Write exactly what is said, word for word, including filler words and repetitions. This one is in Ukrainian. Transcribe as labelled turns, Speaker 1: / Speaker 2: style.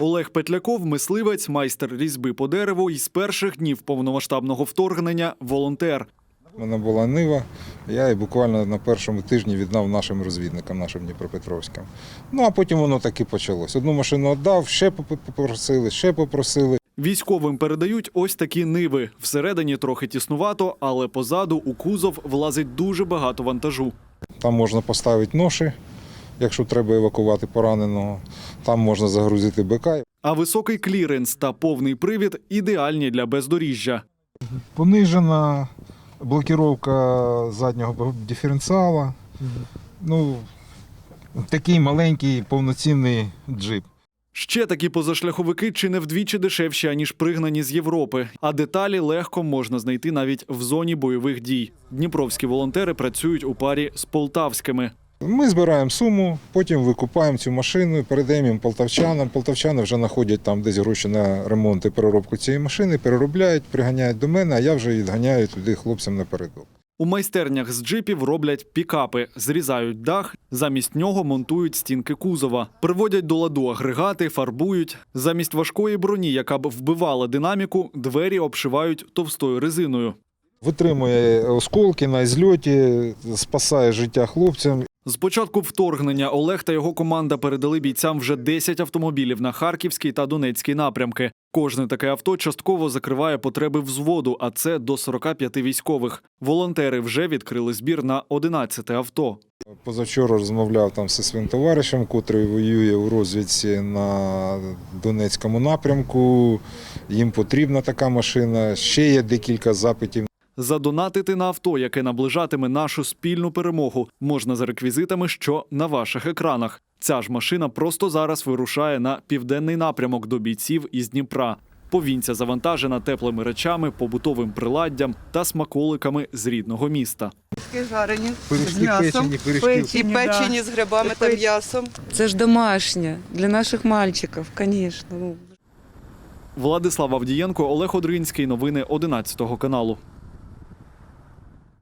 Speaker 1: Олег Петляков – мисливець, майстер різьби по дереву і з перших днів повномасштабного вторгнення – волонтер.
Speaker 2: У мене була нива, я її буквально на першому тижні віддав нашим розвідникам, нашим дніпропетровським. Ну, а потім воно так і почалось. Одну машину віддав, ще попросили, ще попросили.
Speaker 1: Військовим передають ось такі ниви. Всередині трохи тіснувато, але позаду у кузов влазить дуже багато вантажу.
Speaker 2: Там можна поставити ноші, якщо треба евакувати пораненого. Там можна загрузити бика.
Speaker 1: А високий кліренс та повний привід – ідеальні для бездоріжжя.
Speaker 2: Понижена блокировка заднього диференціала. Ну, такий маленький повноцінний джип.
Speaker 1: Ще такі позашляховики чи не вдвічі дешевші, аніж пригнані з Європи. А деталі легко можна знайти навіть в зоні бойових дій. Дніпровські волонтери працюють у парі з полтавськими.
Speaker 2: Ми збираємо суму, потім викупаємо цю машину, передаємо їм полтавчанам. Полтавчани вже знаходять там десь гроші на ремонт і переробку цієї машини, переробляють, приганяють до мене, а я вже відганяю туди хлопцям напередок.
Speaker 1: У майстернях з джипів роблять пікапи, зрізають дах, замість нього монтують стінки кузова, приводять до ладу агрегати, фарбують. Замість важкої броні, яка б вбивала динаміку, двері обшивають товстою резиною.
Speaker 2: Витримує осколки на зльоті, спасає життя хлопцям.
Speaker 1: З початку вторгнення Олег та його команда передали бійцям вже десять автомобілів на Харківський та Донецький напрямки. Кожне таке авто частково закриває потреби взводу, а це до сорока п'яти військових. Волонтери вже відкрили збір на одинадцяте авто.
Speaker 2: Позавчора розмовляв там зі своїм товаришем, котрий воює у розвідці на Донецькому напрямку. Їм потрібна така машина. Ще є декілька запитів.
Speaker 1: Задонатити на авто, яке наближатиме нашу спільну перемогу, можна за реквізитами, що на ваших екранах. Ця ж машина просто зараз вирушає на південний напрямок до бійців із Дніпра. Повінця завантажена теплими речами, побутовим приладдям та смаколиками з рідного міста.
Speaker 3: Жарені
Speaker 2: Пиріжки
Speaker 3: з м'ясом,
Speaker 2: печені, пиріжки.
Speaker 3: і печені з грибами та м'ясом.
Speaker 4: Це ж домашнє, для наших мальчиків, звісно.
Speaker 1: Владислав Авдієнко, Олег Одринський. Новини одинадцятого каналу.